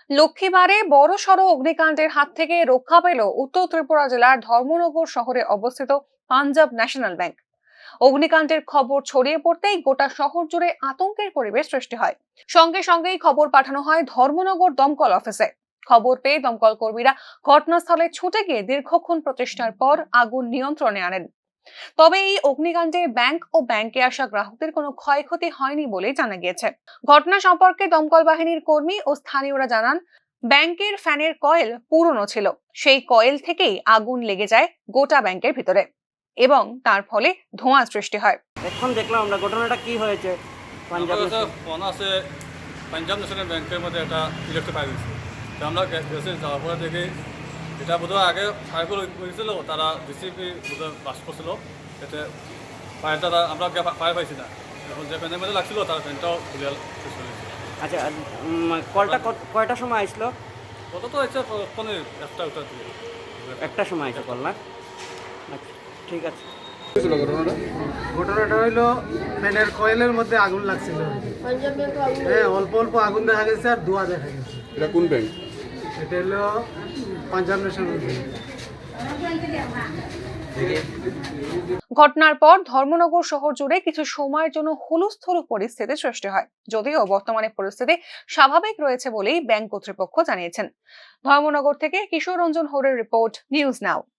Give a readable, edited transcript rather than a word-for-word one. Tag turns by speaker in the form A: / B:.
A: লক্ষ্মীবারে বড়সড় অগ্নিকাণ্ডের হাত থেকে রক্ষা পেল উত্তর ত্রিপুরা জেলার ধর্মনগর শহরে অবস্থিত পাঞ্জাব ন্যাশনাল ব্যাংক। অগ্নিকাণ্ডের খবর ছড়িয়ে পড়তেই গোটা শহর জুড়ে আতঙ্কের পরিবেশ সৃষ্টি হয়। সঙ্গে সঙ্গেই খবর পাঠানো হয় ধর্মনগর দমকল অফিসে। খবর পেয়ে দমকল কর্মীরা ঘটনাস্থলে ছুটে গিয়ে দীর্ঘক্ষণ প্রচেষ্টার পর আগুন নিয়ন্ত্রণে আনেন। তবে এই অগ্নিকাণ্ডে ব্যাংক ও ব্যাংকে আসা গ্রাহকদের কোনো ক্ষয়ক্ষতি হয়নি বলে জানা গিয়েছে। ঘটনা সম্পর্কে দমকল বাহিনীর কর্মী ও স্থানীয়রা জানান, ব্যাংকের ফ্যানের কয়েল পুরনো ছিল, সেই কয়েল থেকেই আগুন লেগে যায় গোটা ব্যাংকের ভিতরে এবং তার ফলে ধোঁয়া সৃষ্টি হয়।
B: এখন দেখলাম আমরা ঘটনাটা কি হয়েছে। পাঞ্জাব
C: ফোন আছে পাঞ্জাব ন্যাশনাল ব্যাংকের মধ্যে একটা ইলেকট্রিক ফায়ার হয়েছে। তো আমরা গেছি, যাওয়ার পরে দেখি এটা বোধহয় আগে ফায়ার করেছিল, তারা ডিসিপি বোধহয় বাস করছিল, এতে ফায়ারটা আমরা ফায়ার পাইছি না। এখন যে ফ্যানের মধ্যে লাগছিল তার ফ্যানটাও খুলে শেষ হয়ে গেছে।
B: আচ্ছা, কলটা কয়টার সময় আসলো?
C: কত তো হচ্ছে ফোনের একটা উত্তর দিয়ে
B: একটা সময় আসে কল না? আচ্ছা, ঠিক আছে।
D: ঘটনাটা হইলো ফ্যানের কয়েলের মধ্যে আগুন লাগছিল। হ্যাঁ, অল্প অল্প আগুন দেখা গেছে আর ধোঁয়া দেখা গেছে।
E: এটা কোন ব্যাংক?
D: এটা হলো পাঞ্জাব ন্যাশনাল ব্যাংক।
A: ঘটনার পর ধর্মনগর শহর জুড়ে কিছু সময়ের জন্য হুলস্থুল পরিস্থিতি সৃষ্টি হয়, যদিও বর্তমানে পরিস্থিতি স্বাভাবিক রয়েছে বলেই ব্যাংক কর্তৃপক্ষ জানিয়েছেন। ধর্মনগর থেকে কিশোর রঞ্জন হরের রিপোর্ট, নিউজ নাও।